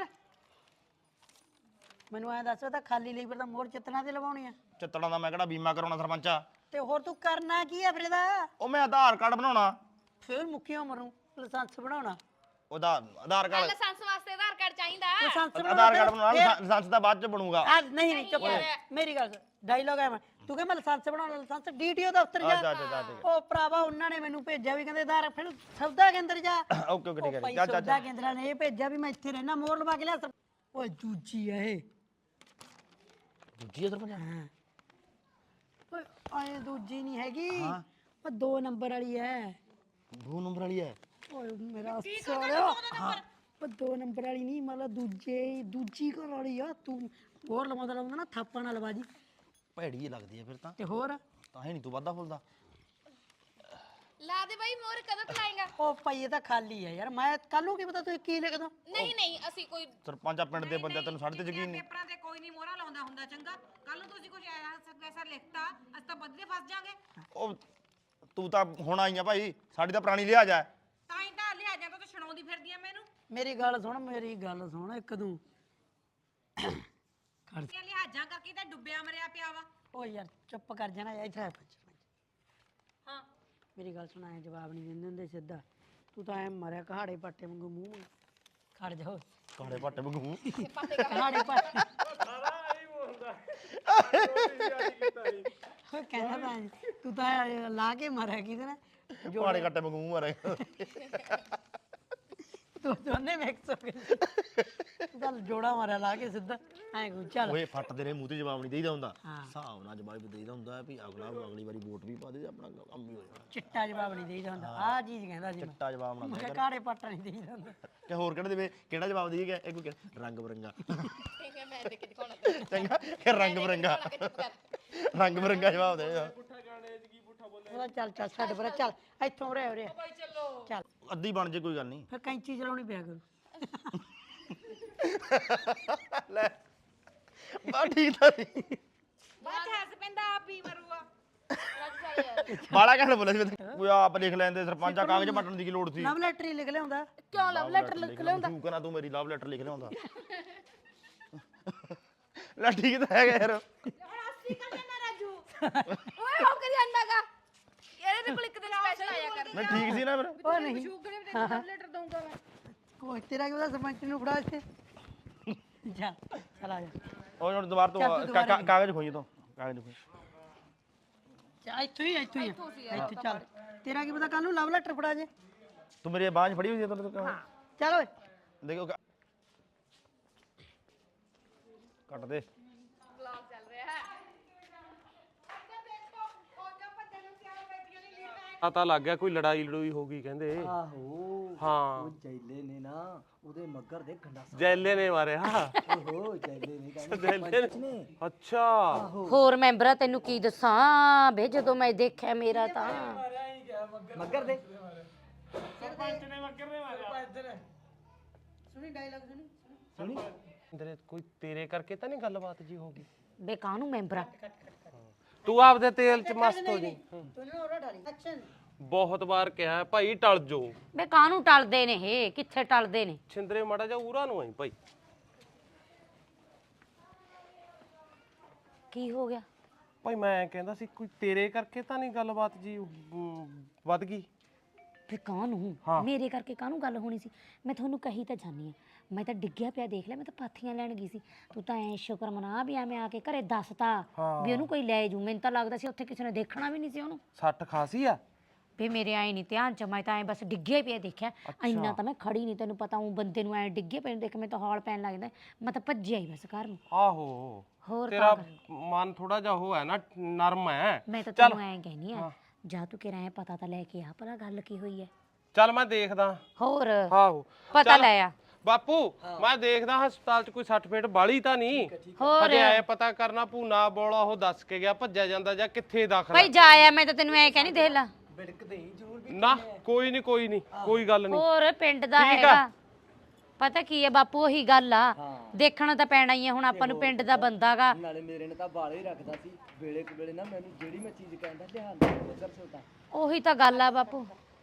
A: ਮੈਨੂੰ ਐ ਦੱਸ ਤਾਂ ਖਾਲੀ ਲੀਵਰ ਦਾ ਮੋਹਰ ਚਿੱਤਣਾ ਤੇ ਲਵਾਉਣੀ ਆ
D: ਚਿੱਤੜਾਂ ਦਾ ਮੈਂ ਕਿਹੜਾ ਬੀਮਾ ਕਰਾਉਣਾ ਸਰਪੰਚਾ
A: ਤੇ ਹੋਰ ਤੂੰ ਕਰਨਾ ਕੀ ਆ ਫਿਰ ਇਹਦਾ?
D: ਉਹ ਮੈਂ ਆਧਾਰ ਕਾਰਡ ਬਣਾਉਣਾ।
A: ਫਿਰ ਮੁੱਕੀਆਂ ਮਰੂ ਲਾਇਸੈਂਸ ਬਣਾਉਣਾ।
D: ਉਹਦਾ ਆਧਾਰ ਕਾਰਡ
G: ਲਾਇਸੈਂਸ ਵਾਸਤੇ ਆਧਾਰ ਕਾਰਡ ਚਾਹੀਦਾ।
A: ਲਾਇਸੈਂਸ
D: ਆਧਾਰ ਕਾਰਡ ਬਣਾਉਣਾ, ਲਾਇਸੈਂਸ ਤਾਂ ਬਾਅਦ ਚ ਬਣੂਗਾ।
A: ਆ ਨਹੀਂ ਨਹੀਂ ਚੁੱਪ ਕਰ ਮੇਰੀ ਗੱਲ ਡਾਇਲੋਗ ਹੈ ਮੈਂ ਤੂੰ ਕਹਿੰਦਾ ਮੈਂ ਲਾਇਸੈਂਸ ਬਣਾਉਣਾ ਲਾਇਸੈਂਸ ਡੀਟੀਓ ਦਫ਼ਤਰ ਜਾ।
D: ਅੱਛਾ ਅੱਛਾ ਠੀਕ
A: ਉਹ ਭਰਾਵਾ ਉਹਨਾਂ ਨੇ ਮੈਨੂੰ ਭੇਜਿਆ ਵੀ ਕਹਿੰਦੇ ਆਧਾਰ ਫਿਰ ਸੌਦਾ ਕੇਂਦਰ ਜਾ।
D: ਹੈ ਓਕੇ ਓਕੇ ਠੀਕ ਹੈ
A: ਭਾਈ
D: ਚੱਲ ਚੱਲ
A: ਸੌਦਾ ਕੇਂਦਰਾਂ ਨੇ ਇਹ ਭੇਜਿਆ ਵੀ ਮੈਂ ਇੱਥੇ ਰਹਿਣਾ ਮੋਹਰ ਲਵਾ ਕੇ ਲਿਆ। ਓਏ ਦੂਜੀ ਆ ਇਹ
D: ਦੂਜੀ ਇਧਰ ਪੰਜਾ
A: ਹਾਂ ਓਏ ਆਏ ਦੂਜੀ ਨਹੀਂ ਹੈਗੀ ਉਹ ਦੋ ਨੰਬਰ ਵਾਲੀ ਹੈ।
D: ਦੋ ਨੰਬਰ ਵਾਲੀ ਹੈ।
A: ਓਏ ਮੇਰਾ ਸਾਲਿਆ ਉਹ ਦੋ ਨੰਬਰ ਵਾਲੀ ਨਹੀਂ ਮਤਲਬ ਦੂਜੇ ਦੂਜੀ ਘਰ ਵਾਲੀ ਆ ਤੂੰ ਹੋਰ ਲਵਾਉਂਦਾ ਲਾਉਂਦਾ ਨਾ ਥਾਪਾਂ ਨਾਲ ਲਵਾ ਜੀ
D: ਭੈੜੀ ਜਿਹੀ ਲੱਗਦੀ ਹੈ ਫਿਰ ਤਾਂ
A: ਤੇ ਹੋਰ
D: ਤਾਂ ਹੀ ਨਹੀਂ ਤੂੰ ਵਾਧਾ ਫੁੱਲਦਾ।
G: ਲਾ ਦੇ ਬਾਈ ਮੋਹਰ ਕਦੋਂ ਤਲਾਏਗਾ?
A: ਉਹ ਭਾਈ ਇਹ ਤਾਂ ਖਾਲੀ ਹੈ ਯਾਰ ਮੈਂ ਕੱਲ ਨੂੰ ਕੀ ਪਤਾ ਤੂੰ ਕੀ ਲਿਖ ਦੋ।
G: ਨਹੀਂ ਨਹੀਂ ਅਸੀਂ ਕੋਈ
D: ਸਰਪੰਚਾ ਪਿੰਡ ਦੇ ਬੰਦੇ ਤੈਨੂੰ ਸਾਡੇ ਤੇ ਯਕੀਨ ਨਹੀਂ।
H: ਪੇਪਰਾਂ ਤੇ ਕੋਈ ਨਹੀਂ ਮੋਹਰਾ ਲਾਉਂਦਾ ਹੁੰਦਾ ਚੰਗਾ। ਕੱਲ ਨੂੰ ਤੁਸੀਂ ਕੁਝ ਐਸਾ ਲਿਖਤਾ ਅਸੀਂ ਤਾਂ ਬਦਲੇ ਫਸ ਜਾਾਂਗੇ।
D: ਉਹ ਤੂੰ ਤਾਂ ਹੁਣ ਆਈ ਆ ਭਾਈ, ਸਾਡੀ ਤਾਂ ਪੁਰਾਣੀ ਲਿਹਾਜ਼ ਹੈ।
H: ਤਾਂ ਹੀ ਤਾਂ ਲਿਆ ਜਾਂਦਾ ਤਾਂ ਛਣਾਉਂਦੀ ਫਿਰਦੀ ਆ ਮੈਨੂੰ।
A: ਮੇਰੀ ਗੱਲ ਸੁਣ ਮੇਰੀ ਗੱਲ ਸੁਣ ਇੱਕ ਤੂੰ ਖੜ
H: ਇਹ ਲਿਹਾਜ਼ਾਂ ਕਰਕੇ ਤਾਂ ਡੁੱਬਿਆ ਮਰਿਆ ਪਿਆ ਵਾ।
A: ਓ ਯਾਰ ਚੁੱਪ ਕਰ ਜਾਣਾ ਇੱਥੇ ਆ ਪੰਚ
H: ਹਾਂ
A: ਮੇਰੀ ਗੱਲ ਸੁਣ ਐ ਜਵਾਬ ਨਹੀਂ ਦਿੰਦੇ ਹੁੰਦੇ ਸਿੱਧਾ ਤੂੰ ਤਾਂ ਐ ਮਰਿਆ ਕਹਾੜੇ ਪਾਟੇ ਵਾਂਗੂ ਮੂੰਹ ਖੜ ਜਾ
D: ਕਾਲੇ ਪੱਟ ਬਗੂ
A: ਕਹਾੜੇ ਪਾਟੇ ਉਹ ਕਹਿੰਦਾ ਤਾਂ ਤੂੰ ਤਾਂ ਲਾ ਕੇ ਮਾਰਿਆ ਕਿਹਦੇ ਨਾਲ
D: ਜੋੜੇ ਕੱਟੇ ਬਗੂ ਮਾਰੇ।
A: ਤੂੰ ਦੋਨੇ ਮਿਕਸ ਹੋ ਗਏ ਚੱਲ ਜੋੜਾ ਮਾਰਿਆ ਲਾ ਕੇ ਸਿੱਧਾ ਐ ਕੋ ਚੱਲ
D: ਓਏ ਫੱਟ ਤੇਰੇ ਮੂੰਹ ਤੇ ਜਵਾਬ ਨਹੀਂ ਦੇਈਦਾ ਹੁੰਦਾ।
A: ਹਾਂ।
D: ਹਿਸਾਬ ਨਾਲ ਜਵਾਬ ਦੇਈਦਾ ਹੁੰਦਾ ਵੀ ਅਗਲਾ ਅਗਲੀ ਵਾਰੀ ਵੋਟ ਵੀ ਪਾ ਦੇ ਆਪਣਾ ਕੰਮ ਹੀ ਹੋ ਜਾਣਾ।
A: ਚਿੱਟਾ ਜਵਾਬ ਨਹੀਂ ਦੇਈਦਾ ਹੁੰਦਾ ਆਹ ਚੀਜ਼ ਕਹਿੰਦਾ ਸੀ ਮੈਂ
D: ਚਿੱਟਾ ਜਵਾਬ ਨਾ
A: ਮੈਂ
D: ਦੇ
A: ਕਿਹਾ ਕਾੜੇ ਪਾਟਾ ਨਹੀਂ ਦੇਈਦਾ ਹੁੰਦਾ
D: ਕਿ ਹੋਰ ਕਿਹੜਾ ਦੇਵੇ, ਕਿਹੜਾ ਜਵਾਬ ਦੇਈਏ ਇਹ ਕੋਈ ਕਹਿ- ਰੰਗ ਬਰੰਗਾ
G: ਠੀਕ ਹੈ ਮੈਂ ਦੇ ਕੇ ਦਿਖਾਉਣਾ
D: ਚੰਗਾ ਕਿ ਰੰਗ ਬਰੰਗਾ ਰੰਗ ਬਰੰਗਾ ਜਵਾਬ ਦੇ।
A: ਉਹਦਾ ਚੱਲ ਚੱਲ ਛੱਡ ਪਰੇ ਚੱਲ ਇੱਥੋਂ ਉਰੇ ਉਰੇ ਚੱਲ
D: ਅੱਧੀ ਬਣ ਜੇ ਕੋਈ ਗੱਲ ਨਹੀਂ।
A: ਫਿਰ ਕੈਂਚੀ ਚਲਾਉਣੀ ਪਿਆ ਕਰੂ
D: ਲੈ ਬਾ ਠੀਕ ਤਾਂ ਨਹੀਂ
H: ਬਾਅਦ ਚ ਹੱਸ ਪੈਂਦਾ ਆਪ ਹੀ ਮਰੂਗਾ।
D: ਬਾਲਾ ਕਹਿਣ ਬੋਲਿਆ ਸੀ ਮੈਂ। ਕੋਈ ਆਪ ਲਿਖ ਲੈਂਦੇ ਸਰਪੰਚਾ ਕਾਗਜ਼ ਪੱਟਣ ਦੀ ਕੀ ਲੋੜ ਸੀ।
A: ਲਵ ਲੈਟਰ ਹੀ ਲਿਖ ਲਿਆਉਂਦਾ
G: ਕਿਉਂ ਲਵ ਲੈਟਰ ਲਿਖ ਲਿਆਉਂਦਾ?
D: ਤੂੰ ਕਹਿੰਦਾ ਤੂੰ ਮੇਰੀ ਲਵ ਲੈਟਰ ਲਿਖ ਲਿਆਉਂਦਾ। ਲੈ ਠੀਕ ਤਾਂ ਹੈਗਾ ਯਾਰ।
G: ਹੁਣ ਅਸੀਂ ਕਰ ਲੈਣਾ ਰਾਜੂ ਓਏ ਹੋ ਕੇ ਜਾਂਦਾਗਾ ਇਹਦੇ ਤੇ ਕੋਲ ਇੱਕ ਦਿਨ ਸਪੈਸ਼ਲ ਆਇਆ ਕਰ।
D: ਮੈਂ ਠੀਕ ਸੀ ਨਾ ਫਿਰ।
A: ਉਹ ਨਹੀਂ
G: ਸ਼ੂਗਰ ਨੇ ਤੈਨੂੰ ਲਵ ਲੈਟਰ ਦਊਂਗਾ ਮੈਂ।
A: ਕੋਈ ਤੇਰਾ ਕੀ ਉਹਦਾ ਸਰਪੰਚ ਨੂੰ ਫੜਾ ਇੱਥੇ ਜਾ ਚਲ ਆ ਜਾ
D: ਉਹ ਹੁਣ ਦੁਬਾਰਾ ਤੋਂ
A: ਚੱਲ ਤੂੰ ਦੁਬਾਰਾ
D: ਕਾ- ਕਾਗਜ਼ ਖੋਈ ਤੋਂ ਕਾਗਜ਼ ਖੋਈ।
A: ਚੱਲ ਇੱਥੋਂ ਹੀ ਇੱਥੋਂ ਹੀ ਇੱਥੇ ਚੱਲ ਤੇਰਾ ਕੀ ਪਤਾ ਕੱਲ ਨੂੰ ਲਵ ਲੈਟਰ ਫੜਾ ਜੇ
D: ਤੂੰ ਮੇਰੀ ਬਾਂਝ ਫੜੀ ਹੋਈ ਹੈ ਤੂੰ
A: ਚੱਲ ਓਏ
D: ਦੇਖੋ ਕ- ਕੱਟ ਦੇ।
G: ਵਲੌਗ ਚੱਲ ਰਿਹਾ ਹੈ।
B: ਪਤਾ ਲੱਗ ਗਿਆ ਕੋਈ ਲੜਾਈ ਲੜੂਈ ਹੋ ਗਈ ਕਹਿੰਦੇ।
E: ਆਹੋ
B: ਹਾਂ
E: ਉਹ ਜੈਲੇ ਨੇ ਨਾ ਉਹਦੇ ਮੱਗਰ ਦੇ ਗੰਡਾਸਾ
B: ਜੈਲੇ ਨੇ ਮਾਰਿਆ।
E: ਓਹੋ ਜੈਲੇ ਨੇ ਕਹਿੰਦੇ ਸਰਪੰਚ ਨੇ
B: ਅੱਛਾ
C: ਹੋਰ ਮੈਂਬਰਾਂ ਤੈਨੂੰ ਕੀ ਦੱਸਾਂ ਬੇ ਜਦੋਂ ਮੈਂ ਦੇਖਿਆ ਮੇਰਾ ਤਾਂ
E: ਮੱਗਰ ਦੇ
A: ਸੁਣੀ ਡਾਇਲੌਗ ਸੁਣੀ
E: ਸੁਣੀ
B: ਤੇਰੇ ਕੋਈ ਤੇਰੇ ਕਰਕੇ ਤਾਂ ਨਹੀਂ ਗੱਲਬਾਤ ਜੀ ਹੋ ਗਈ?
C: ਬੇ ਕਾਹਨੂੰ ਮੈਂਬਰਾਂ
B: ਤੂੰ ਆਪਦੇ ਤੇਲ 'ਚ ਮਸਤ ਹੋ ਜੀ।
A: ਤੂੰ ਨਾ ਉਹਦਾ ਢਾਲੀ ਐਕਸ਼ਨ
B: ਬਹੁਤ ਵਾਰ ਕਿਹਾ ਭਾਈ ਟਲ ਜੋ।
C: ਬੇ ਕਾਹਨੂੰ ਟਲਦੇ ਨੇ ਇਹ ਕਿੱਥੇ ਟਲਦੇ ਨੇ
B: ਛਿੰਦਰੇ ਮਾੜਾ ਜਾ ਉਰਾ ਨੂੰ ਆਈ ਭਾਈ।
C: ਕੀ ਹੋ ਗਿਆ
B: ਭਾਈ ਮੈਂ ਕਹਿੰਦਾ ਸੀ ਕੋਈ ਤੇਰੇ ਕਰਕੇ ਤਾਂ ਨਹੀਂ ਗੱਲਬਾਤ ਜੀ ਅਮ, ਵੱਧ ਗਈ?
C: ਫੇ ਕਾਹਨੂੰ
B: ਹਾਂ।
C: ਮੇਰੇ ਕਰਕੇ ਕਾਹਨੂੰ ਗੱਲ ਹੋਣੀ ਸੀ ਮੈਂ ਤੁਹਾਨੂੰ ਕਹੀ ਤਾਂ ਜਾਨੀ ਆ ਮੈਂ ਤਾਂ ਡਿੱਗਿਆ ਪਿਆ ਦੇਖ ਲਿਆ ਮੈਂ ਤਾਂ ਪਾਥੀਆਂ ਲੈਣ ਗਈ ਸੀ ਤੂੰ ਤਾਂ ਐ ਸ਼ੁਕਰ ਮਨਾ ਵੀ ਐਵੇਂ ਆ ਕੇ ਘਰੇ ਦੱਸਤਾ ਵੀ ਉਹਨੂੰ ਕੋਈ ਲੈ ਜੂ ਮੈਨੂੰ ਤਾਂ ਲੱਗਦਾ ਸੀ ਉੱਥੇ ਕਿਸੇ ਨੇ ਦੇਖਣਾ ਵੀ ਨਹੀਂ ਸੀ ਉਹਨੂੰ
B: ਸੱਟ ਖਾਸੀ ਆ?
C: ਵੀ ਮੇਰੇ ਆਏ ਨਹੀਂ ਧਿਆਨ ਚ ਮੈਂ ਤਾਂ ਐ ਬਸ ਡਿੱਗਿਆ ਪਿਆ ਦੇਖਿਆ ਇੰਨਾ ਤਾਂ ਮੈਂ ਖੜੀ ਨਹੀਂ ਤੈਨੂੰ ਪਤਾ ਉਹ ਬੰਦੇ ਨੂੰ ਐ ਡਿੱਗੇ ਪਏ ਨੂੰ ਦੇਖ ਮੈਂ ਤਾਂ ਹੌਲ ਪੈਣ ਲੱਗਦਾ ਮੈਂ ਤਾਂ ਭੱਜਿਆ ਹੀ ਬਸ ਘਰ ਨੂੰ
B: ਆਹੋ
C: ਹੋਰ
B: ਤੇਰਾ
C: ਤਾਂ ਕਰ।
B: ਮਨ ਥੋੜਾ ਜਿਹਾ ਉਹ ਹੈ ਨਾ ਨਰਮ ਹੈ।
C: ਮੈਂ ਤਾਂ
B: ਚੱਲ
C: ਤੈਨੂੰ ਐ ਕਹਿਨੀ ਆ ਜਾ ਤੂੰ ਕਿਰਾ ਐ ਪਤਾ ਤਾਂ ਲੈ ਕੇ ਆ ਭਲਾ ਗੱਲ ਕੀ ਹੋਈ ਐ
B: ਚੱਲ ਮੈਂ ਦੇਖਦਾ।
C: ਹੋਰ
B: ਆਹੋ
C: ਪਤਾ
B: ਚੱਲ।
C: ਲੈ ਆ
B: ਬਾਪੂ ਮੈਂ ਦੇਖਦਾ ਹਸਪਤਾਲ 'ਚ ਕੋਈ ਸੱਟ ਫੇਟ ਬਾਲੀ ਤਾਂ ਨਹੀਂ।
C: ਹੋਰ
B: ਹਜੇ ਐ ਪਤਾ ਕਰਨਾ ਭੂਨਾ ਬੋਲਾ ਉਹ ਦੱਸ ਕੇ ਗਿਆ ਭੱਜਿਆ ਜਾਂਦਾ ਜਾਂ ਕਿੱਥੇ ਦਾਖਲ
C: ਭਾਈ ਜਾ ਆ ਮੈਂ ਤਾਂ ਤੈਨੂੰ ਐ ਕਹਿਨੀ ਦੇਖ ਲਾ
E: ਬਿੜਕਦੇ ਹੀ ਜ਼ਰੂਰ ਵੀ
B: ਨਾ ਕੋਈ ਨਹੀਂ ਕੋਈ ਨਹੀਂ ਕੋਈ ਗੱਲ ਨਹੀਂ।
C: ਹੋਰ ਪਿੰਡ ਦਾ
B: ਠੀਕ ਆ।
C: ਹੈਗਾ ਪਤਾ ਕੀ ਹੈ ਬਾਪੂ ਉਹੀ ਗੱਲ ਆ
E: ਹਾਂ।
C: ਦੇਖਣਾ ਤਾਂ ਪੈਣਾ ਹੀ ਆ ਹੁਣ ਆਪਾਂ ਨੂੰ ਪਿੰਡ ਦਾ ਬੰਦਾਗਾ
E: ਨਾਲੇ ਮੇਰੇ ਨੇ ਤਾਂ ਬਾਲੇ ਹੀ ਰੱਖਦਾ ਸੀ ਵੇਲੇ ਕੁ ਵੇਲੇ ਨਾ ਮੈਨੂੰ ਜਿਹੜੀ ਮੈਂ ਚੀਜ਼ ਕਹਿੰਦਾ ਲਿਆ ਲੈ ਮੱਗਰ ਛੋਟਾ
C: ਉਹੀ ਤਾਂ ਗੱਲ ਆ ਬਾਪੂ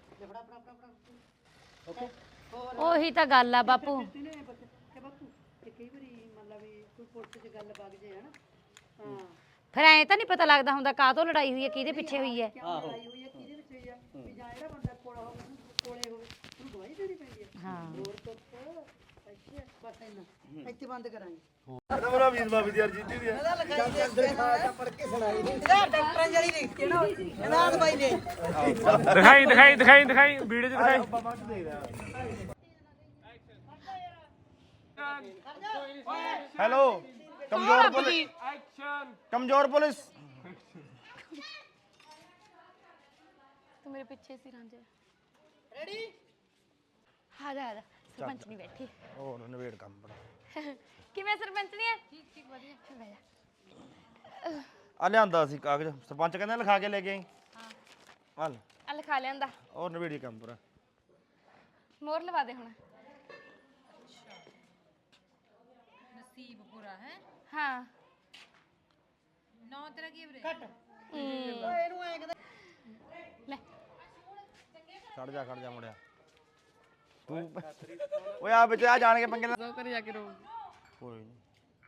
C: ਉਹੀ ਤਾਂ ਗੱਲ ਆ ਬਾਪੂ
A: ਤੇ ਬਾਪੂ ਤੇ ਕਈ ਵਾਰੀ ਮਤਲਬ ਵੀ ਕੋਈ ਪੁਲਿਸ 'ਚ ਗੱਲ ਵਗ ਜੇ ਹਨਾ ਹਾਂ
C: ਫਿਰ ਐਂ ਤਾਂ ਨਹੀਂ ਪਤਾ ਲੱਗਦਾ ਹੁੰਦਾ ਕਾਹਤੋਂ ਲੜਾਈ ਹੋਈ ਹੈ ਕਿਹਦੇ ਪਿੱਛੇ ਹੋਈ ਹੈ
E: ਆਹੋ
A: ਲੜਾਈ ਹੋਈ ਹੈ ਕਿਹਦੇ ਵਿੱਚ ਹੋਈ ਆ ਵੀ ਜਾਂ ਜਿਹੜਾ ਬੰਦਾ ਕੋਲਾ ਹੋਵੇ ਉਹਨੂੰ ਕੋਲੇ ਹੋਵੇ ਉਹਨੂੰ ਦਵਾਈ ਦੇਣੀ ਪੈਂਦੀ ਹੈ
C: ਹਾਂ
A: ਹੋਰ ਤੋਂ ਅੱਛਾ ਬਸ ਇੰਨਾ ਇੱਥੇ ਬੰਦ ਕਰਾਂਗੇ
D: ਮੇਰਾ ਵੀਰ ਬਾਬੀ ਦੀ ਅਰਜੀ ਦੀ ਹੈ
B: ਦਿਖਾਈ ਦਿਖਾਈ ਦਿਖਾਈ ਦਿਖਾਈ ਵੀਡੀਓ 'ਚ ਦਿਖਾਈ
D: ਹੈਲੋ ਕਮਜ਼ੋਰ ਪੁਲਿਸ
B: ਐਕਸ਼ਨ
D: ਕਮਜ਼ੋਰ ਪੁਲਿਸ
G: ਤੂੰ ਮੇਰੇ ਪਿੱਛੇ ਸੀ ਰਾਂਝੇ ਰੈਡੀ ਆ ਜਾ ਆ ਜਾ ਸਰਪੰਚ ਨਹੀਂ ਬੈਠੀ
D: ਉਹ ਨਵੇੜ ਕੰਮ ਬੜਾ
G: ਕਿਵੇਂ ਸਰਪੰਚ ਨਹੀਂ ਹੈ ਠੀਕ ਠੀਕ ਵਧੀਆ ਬਹਿ ਜਾ
D: ਆ ਲਿਆਂਦਾ ਸੀ ਕਾਗਜ਼ ਸਰਪੰਚ ਕਹਿੰਦਾ ਲਿਖਾ ਕੇ ਲੈ ਕੇ ਆਈ ਹਾਂ ਹਲ
G: ਆ ਲਿਖਾ ਲਿਆਂਦਾ
D: ਉਹ ਨਵੇੜੀ ਕੰਮ ਪੂਰਾ
G: ਮੋਹਰ ਲਵਾ ਦੇ ਹੁਣ
H: ਨਸੀਬ ਪੂਰਾ ਹੈ
G: ਹਾਂ
H: ਨੌ ਤੇਰਾ ਕੀ ਵੀਰੇ
G: ਲੈ
D: ਖੜ ਜਾ ਖੜ ਜਾ ਮੁੜਿਆ ਤੂੰ ਓਏ ਆ ਵਿੱਚ ਆ ਜਾਣ ਕੇ ਪੰਗੇ ਨਾ
G: ਕਰ ਜਾ ਕੇ ਰੋ
D: ਕੋਈ ਨਹੀਂ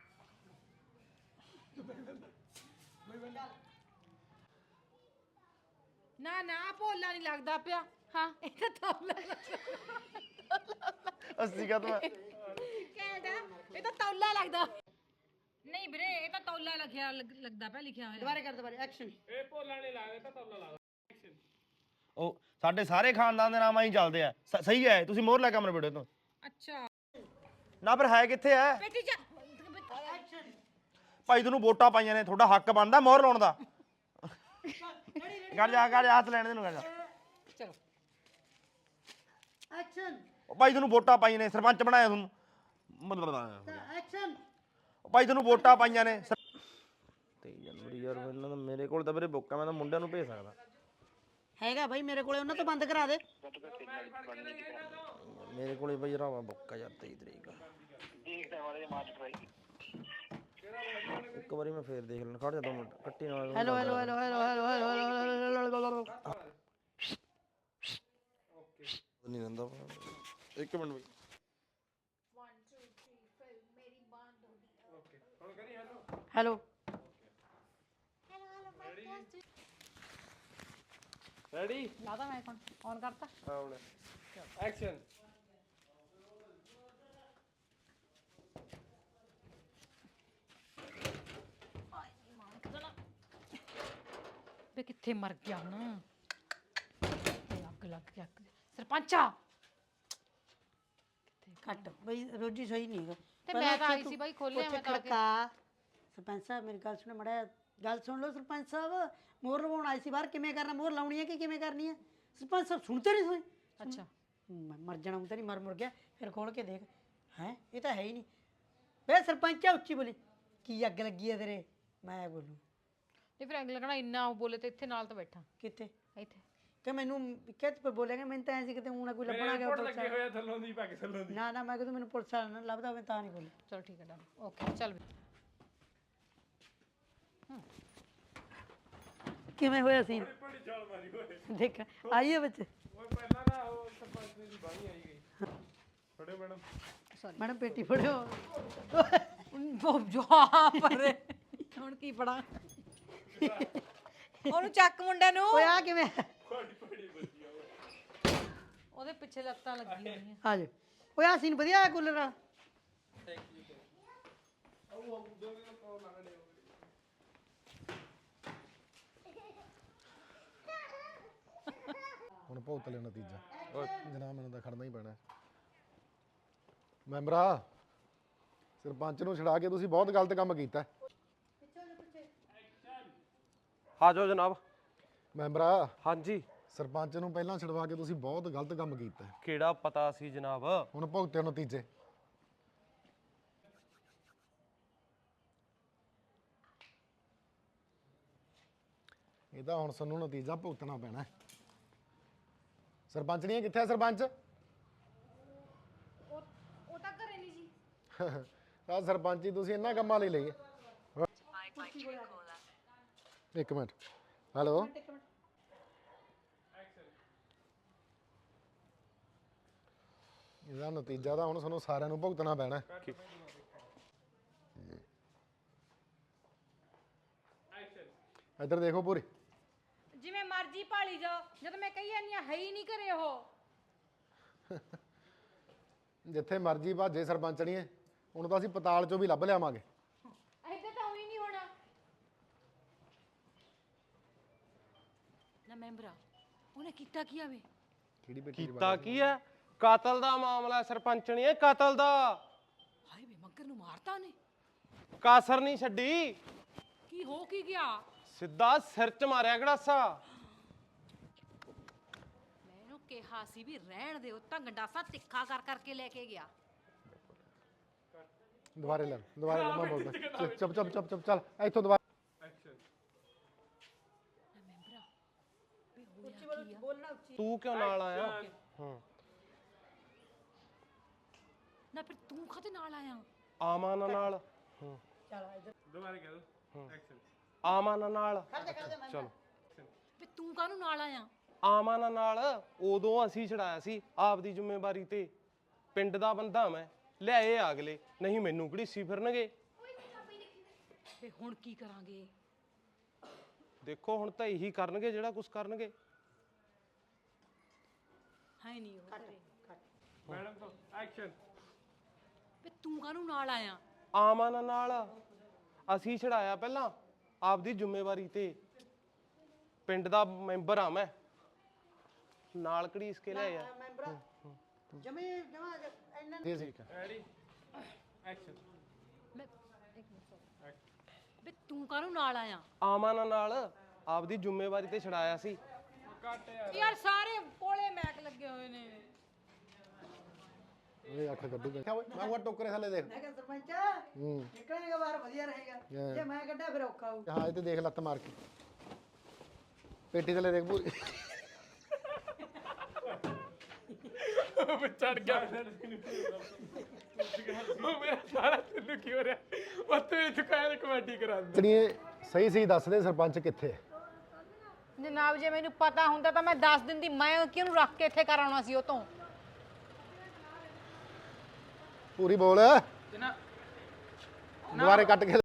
H: ਨਾ ਨਾ ਭੋਲਾ ਨਹੀਂ ਲੱਗਦਾ ਪਿਆ
G: ਹਾਂ
H: ਇਹ ਤਾਂ ਤੌਲਾ
D: ਅੱਸੀ ਕਾ ਤੂੰ
H: ਕਹਿੰਦਾ ਇਹ ਤਾਂ ਤੌਲਾ ਲੱਗਦਾ ਨਹੀਂ ਵੀਰੇ ਇਹ ਤਾਂ ਤੌਲਾ ਲਿਖਿਆ ਲੱਗ- ਲੱਗਦਾ ਪਿਆ ਲਿਖਿਆ ਹੋਇਆ
A: ਦੁਬਾਰੇ ਕਰ ਦੁਬਾਰੇ ਐਕਸ਼ਨ
B: ਇਹ ਭੋਲਾ ਨਹੀਂ ਲੱਗਦਾ ਤਾਂ ਤੌਲਾ ਲੱਗਦਾ
D: ਉਹ ਸਾਡੇ ਸਾਰੇ ਖਾਨਦਾਨ ਦੇ ਨਾਮ ਆਈ ਚੱਲਦੇ ਆ ਸ- ਸਹੀ ਹੈ ਤੁਸੀਂ ਮੋਹਰ ਲੈ ਕੇ ਅਮਰ ਵੀਡੀਓ ਤੋਂ
H: ਅੱਛਾ
D: ਨਾ ਫਿਰ ਹੈ ਕਿੱਥੇ ਹੈ
H: ਬੇਟੀ ਜਾ
D: ਭਾਈ ਤੈਨੂੰ ਵੋਟਾਂ ਪਾਈਆਂ ਨੇ ਤੁਹਾਡਾ ਹੱਕ ਬਣਦਾ ਮੋਹਰ ਲਾਉਣ ਦਾ ਕਰ ਜਾ ਕਰ ਜਾ ਹੱਥ ਲੈਣ ਦੇ ਨੂੰ ਕਰ ਜਾ
H: ਚਲੋ
A: ਐਕਸ਼ਨ
D: ਉਹ ਭਾਈ ਤੈਨੂੰ ਵੋਟਾਂ ਪਾਈਆਂ ਨੇ ਸਰਪੰਚ ਬਣਾਇਆ ਤੁਹਾਨੂੰ ਮਤਲਬ
A: ਐਕਸ਼ਨ
D: ਉਹ ਭਾਈ ਤੈਨੂੰ ਵੋਟਾਂ ਪਾਈਆਂ ਨੇ ਤੇ ਜਨਵਰੀ ਯਾਰ ਪਹਿਲਾਂ ਤਾਂ ਮੇਰੇ ਕੋਲ ਤਾਂ ਵੀਰੇ ਬੁੱਕ ਆ ਮੈਂ ਤਾਂ ਮੁੰਡਿਆਂ ਨੂੰ ਭੇਜ ਸਕਦਾ
A: ਹੈਗਾ ਭਾਈ ਮੇਰੇ ਕੋਲੇ ਉਹਨਾਂ ਤੋਂ ਬੰਦ ਕਰਾ ਦੇ
D: ਮੇਰੇ ਕੋਲੇ ਬਈ ਰਾਵਾ ਬੁੱਕ ਆ ਯਾਰ ਤੇਈ ਤਰੀਕ ਇੱਕ ਵਾਰੀ ਮੈਂ ਫੇਰ ਦੇਖ ਲੈਣਾ ਖੜ ਜਾ ਦੋ ਮਿੰਟ ਕੱਟੀ ਨਾਲ
A: hello hello hello hello hello hello
D: ਨਹੀਂ ਰਹਿੰਦਾ ਇੱਕ ਮਿੰਟ ਬਈ
A: ਹੈਲੋ
B: ਰੈਡੀ
H: ਲਾਦਾ ਮੈਂ ਔਨ ਕਰਤਾ
B: ਹਾਂ ਹੁਣ ਐਕਸ਼ਨ
H: ਵੇ ਕਿੱਥੇ ਮਰ ਗਿਆ ਹੁਣ ਤੇ ਅੱਗ ਲੱਗ ਗਿਆ ਅੱਗ। ਸਰਪੰਚਾ
A: ਕੱਟ ਬਈ ਰੋਜੀ ਸਹੀ ਨਹੀਂ ਹੈਗਾ
H: ਤੇ
A: ਪਹਿਲਾਂ
H: ਮੈਂ ਤਾਂ ਆਈ
A: ਉੱਥੇ
H: ਸੀ ਬਾਈ,
A: ਤੂੰ
H: ਖੋਲਿਆ
A: ਉੱਥੇ
H: ਮੈਂ ਤਾਂ ਆ ਕੇ।
A: ਖੜਕਾ। ਸਰਪੰਚ ਸਾਹਿਬ ਮੇਰੀ ਗੱਲ ਸੁਣੋ ਮੜਾ ਗੱਲ ਸੁਣ ਲਓ ਸਰਪੰਚ ਸਾਹਿਬ ਮੋਹਰ ਲਵਾਉਣ ਆਈ ਸੀ ਬਾਹਰ ਕਿਵੇਂ ਕਰਨਾ ਮੋਹਰ ਲਾਉਣੀ ਹੈ ਕਿ ਕਿਵੇਂ ਕਰਨੀ ਹੈ ਸਰਪੰਚ ਸਾਹਿਬ ਸੁਣਤੇ ਨਹੀਂ ਸੋਏ
H: ਅੱਛਾ
A: ਮੈਂ ਮਰ ਜਾਣਾ ਤਾਂ ਨਹੀਂ ਮਰ ਮੁਰ ਗਿਆ ਫਿਰ ਖੋਲ ਕੇ ਦੇਖ ਹੈ ਇਹ ਤਾਂ ਹੈ ਹੀ ਨਹੀਂ ਵੇ ਸਰਪੰਚਾ ਉੱਚੀ ਬੋਲੀ ਕੀ ਅੱਗ ਲੱਗੀ ਹੈ ਤੇਰੇ ਮੈਂ ਬੋਲੂ
H: ਤੇ ਫਿਰ ਅੱਗ ਲੱਗਣਾ ਇੰਨਾ ਉਹ ਬੋਲੇ ਤੇ ਇੱਥੇ ਨਾਲ ਤਾਂ ਬੈਠਾ
A: ਕਿੱਥੇ
H: ਇੱਥੇ
A: ਕਿ ਮੈਨੂੰ ਕਿੱਥੇ ਪਰ ਬੋਲੇਗਾ ਮੈਨੂੰ ਤਾਂ ਐਂ ਸੀ ਕਿਤੇ ਊਂ ਨਾ ਕੋਈ ਲੱਭਣਾ ਗਿਆ ਪੁਲਿਸ
B: ਲੱਗੇ
A: ਵਾਲਾ।
B: ਹੋਇਆ ਥੱਲੋਂ ਦੀ ਪੱਗ ਥੱਲੋਂ ਦੀ
A: ਨਾ ਨਾ ਮੈਂ ਕਿਹਾ ਮੈਨੂੰ ਪੁਲਿਸ ਵਾਲਾ ਨਾ ਲੱਭਦਾ ਹੋਵੇ ਤਾਂ ਨਹੀਂ ਬੋਲੀ
H: ਚਲ ਠੀਕ ਹੈ ਡਨ ਓਕੇ ਚੱਲ ਵੀ।
A: ਕਿਵੇਂ ਹੋਇਆ ਸੀ ਦੇਖ ਆਈਏ ਬੱਚੇ
B: ਓਏ ਪਹਿਲਾਂ ਨਾ ਉਹ ਸਰਪੰਚ ਦੀ ਬਾਣੀ ਆਈ ਗਈ ਫੜੋ ਮੈਡਮ
A: ਮੈਡਮ ਪੇਟੀ ਫੜਿਓ
H: ਉਹ ਜੋ ਪਰ ਹੁਣ ਕੀ ਪੜਾ ਉਹਨੂੰ ਚੱਕ ਮੁੰਡੇ ਨੂੰ
A: ਓਏ ਆ ਕਿਵੇਂ
H: ਉਹਦੇ ਪਿੱਛੇ ਲੱਤਾਂ ਲੱਗੀਆਂ ਹੋਈਆਂ
A: ਆ ਜਾ ਓਏ ਆ ਸੀਨ ਵਧੀਆ ਆ ਕੂਲਰ ਆ
F: ਹੁਣ ਭੁਗਤ ਲਿਆ ਨਤੀਜਾ ਜਨਾਬ ਮੈਨੂੰ ਤਾਂ ਖੜਨਾ ਹੀ ਪੈਣਾ ਮੈਂਬਰਾ ਸਰਪੰਚ ਨੂੰ ਛਡਾ ਕੇ ਤੁਸੀਂ ਬਹੁਤ ਗਲਤ ਕੰਮ ਕੀਤਾ
B: ਹਾਜੋ ਜਨਾਬ
F: ਮੈਂਬਰਾ
B: ਹਾਂਜੀ
F: ਸਰਪੰਚ ਨੂੰ ਪਹਿਲਾਂ ਛਡਵਾ ਕੇ ਤੁਸੀਂ ਬਹੁਤ ਗਲਤ ਕੰਮ ਕੀਤਾ
B: ਕਿਹੜਾ ਪਤਾ ਸੀ ਜਨਾਬ
F: ਹੁਣ ਭੁਗਤਿਓ ਨਤੀਜੇ ਇਹਦਾ ਹੁਣ ਸਾਨੂੰ ਨਤੀਜਾ ਭੁਗਤਣਾ ਪੈਣਾ ਹੈ। ਸਰਪੰਚ ਨਹੀਂ ਕਿੱਥੇ ਹੈ ਸਰਪੰਚ
G: ਉਹ ਤਾਂ ਘਰੇ ਨਹੀਂ ਜੀ
F: ਆ ਸਰਪੰਚੀ ਤੁਸੀਂ ਇਹਨਾਂ ਕੰਮਾਂ ਲਈ ਲਈ ਹੈ। ਇੱਕ ਮਿੰਟ ਹੈਲੋ ਇਹਦਾ ਨਤੀਜਾ ਤਾਂ ਹੁਣ ਸਾਨੂੰ ਸਾਰਿਆਂ ਨੂੰ ਭੁਗਤਣਾ ਪੈਣਾ ਹੈ। ਇੱਧਰ ਦੇਖੋ ਪੂਰੀ।
H: ਜਿਵੇਂ ਮਰਜ਼ੀ ਭਾਲੀ ਜਾਓ, ਜਦ ਮੈਂ ਕਹੀ ਜਾਂਦੀ ਆ ਹੈ ਹੀ ਨਹੀਂ ਘਰੇ ਉਹ।
F: ਜਿੱਥੇ ਮਰਜ਼ੀ ਭਾਜੇ ਸਰਪੰਚਣੀਏ, ਉਹਨੂੰ ਤਾਂ ਅਸੀਂ ਪਤਾਲ ਚੋਂ ਵੀ ਲੱਭ ਲਿਆਵਾਂਗੇ।
H: ਇੱਧਰ ਤਾਂ ਹੋਈ ਨਹੀਂ ਹੋਣਾ ਨਾ ਮੈਂਬਰਾ। ਉਹਨੇ ਕੀਤਾ ਕੀ ਆਵੇ?
F: ਕਿਹੜੀ ਬੇਟੀ ਦੀ
I: ਕੀਤਾ ਕੀ ਹੈ? ਕਤਲ ਦਾ ਮਾਮਲਾ ਸਰਪੰਚਣੀ ਹੈ, ਕਤਲ ਦਾ।
H: ਹਾਏ ਵੇ ਮੱਗਰ ਨੂੰ ਮਾਰਤਾ ਨੇ।
I: ਕਾਸਰ ਨਹੀਂ ਛੱਡੀ,
H: ਕੀ ਹੋ ਕੀ ਗਿਆ?
I: ਸਿੱਧਾ ਸਿਰ ਚ ਮਾਰਿਆ ਗੜਾਸਾ।
H: ਮੈਂ ਇਹਨੂੰ ਕਿਹਾ ਸੀ ਵੀ ਰਹਿਣ ਦਿਓ, ਤਾਂ ਗੰਡਾਸਾ ਤਿੱਖਾ ਕਰ ਕਰਕੇ ਲੈ ਕੇ ਗਿਆ।
F: ਦੁਬਾਰੇ ਲੈ ਦੁਬਾਰੇ ਲੈ, ਮੈਂ ਬੋਲਦਾ। ਚੁੱਪ ਚੁੱਪ ਚੁੱਪ ਚੁੱਪ ਚੱਲ ਇੱਥੋਂ ਦੁਬਾਰਾ।
I: ਤੂੰ ਕਿਉਂ ਨਾਲ ਆਇਆ? ਹਾਂ
H: ਨਾ ਫਿਰ ਤੂੰ ਖਾਤੇ ਨਾਲ ਆਇਆ?
I: ਆਮਨ ਨਾਲ।
B: ਦੁਬਾਰਾ ਕਹਿ ਦੋ ਐਕਸ਼ਨ।
I: ਆਮਨ ਨਾਲ। ਚਲੋ
H: ਵੀ ਤੂੰ ਕਾਹਨੂੰ ਨਾਲ ਆਇਆ?
I: ਆਮਨ ਨਾਲ ਉਦੋਂ ਅਸੀਂ ਛੜਾਇਆ ਸੀ ਆਪਦੀ ਜ਼ਿੰਮੇਵਾਰੀ ਤੇ। ਪਿੰਡ ਦਾ ਬੰਦਾ ਮੈਂ, ਲਿਆਏ ਆ ਅਗਲੇ, ਨਹੀਂ ਮੈਨੂੰ ਘੜੀਸੀ ਫਿਰਨਗੇ।
H: ਵੇ ਹੁਣ ਕੀ ਕਰਾਂਗੇ?
I: ਦੇਖੋ ਹੁਣ ਤਾਂ ਇਹੀ ਕਰਨਗੇ ਜਿਹੜਾ ਕੁਝ ਕਰਨਗੇ।
H: ਹੈ ਨਹੀਂ ਉਹ ਘਰੇ।
B: ਮੈਡਮ ਤੋਂ ਐਕਸ਼ਨ।
H: ਵੇ ਤੂੰ ਕਾਹਨੂੰ ਨਾਲ ਆਇਆ?
I: ਆਮਨ ਨਾਲ ਅਸੀਂ ਛੜਾਇਆ ਪਹਿਲਾਂ ਆਪਦੀ ਜ਼ਿੰਮੇਵਾਰੀ ਤੇ। ਪਿੰਡ ਦਾ ਮੈਂਬਰ ਆ ਮੈਂ, ਨਾਲ ਘੜੀਸ ਕੇ ਲਿਆਇਆ।
A: ਜਮੇ ਜਮਾ ਇੰਨਾ
F: ਜੀ ਠੀਕ ਹੈ।
B: Ready action.
H: ਮੈਂ ਇੱਕ ਮਿੰਟ sorry। ਵੇ ਤੂੰ ਕਾਹਨੂੰ ਨਾਲ ਆਇਆ?
I: ਆਮਨ ਨਾਲ ਆਪਦੀ ਜ਼ਿੰਮੇਵਾਰੀ ਤੇ ਛੜਾਇਆ ਸੀ।
B: ਕੱਟ ਯਾਰ।
H: ਯਾਰ ਸਾਰੇ ਕੋਲੇ ਮੈਕ ਲੱਗੇ ਹੋਏ ਨੇ।
F: ਇਹ ਅੱਖ ਕੱਢੂਗਾ। ਕਿਆ ਓਏ ਮੈਂ ਉਹ ਟੋਕਰੇ ਥੱਲੇ ਦੇਖ।
A: ਮੈਂ ਕਿਹਾ ਸਰਪੰਚ
F: ਹੂੰ
A: ਨਿਕਲੇਗਾ ਬਾਹਰ ਵਧੀਆ ਰਹੇਗਾ, ਜੇ ਮੈਂ ਕੱਢਿਆ ਫਿਰ ਔਖਾ ਹੋਊ।
F: ਹਾਂ ਇਹ ਤੇ ਦੇਖ ਲੱਤ ਮਾਰ ਕੇ ਪੇਟੀ ਥੱਲੇ ਦੇਖ ਪੂਰੀ।
B: ਚੜ ਗਿਆ ਉਹ ਮੇਰਾ ਸਾਰਾ ਤੈਨੂੰ ਕੀ ਹੋ ਰਿਹਾ? ਉੱਥੇ ਵੀ ਚੁਕਾਇਆ ਕਮੇਟੀ ਕਰਾ ਦੇ।
F: ਚੜੀਏ ਸਹੀ ਸਹੀ ਦੱਸ ਦੇ ਸਰਪੰਚ ਕਿੱਥੇ ਹੈ?
H: ਜਨਾਬ ਜੇ ਮੈਨੂੰ ਪਤਾ ਹੁੰਦਾ ਤਾਂ ਮੈਂ ਦੱਸ ਦਿੰਦੀ। ਮੈਂ ਕਿਹਨੂੰ ਰੱਖ ਕੇ ਇੱਥੇ ਕਰਾਉਣਾ ਸੀ ਉਹ ਤੋਂ।
F: ਪੂਰੀ ਬੋਲ। ਦੁਬਾਰੇ ਕੱਟ ਕੇ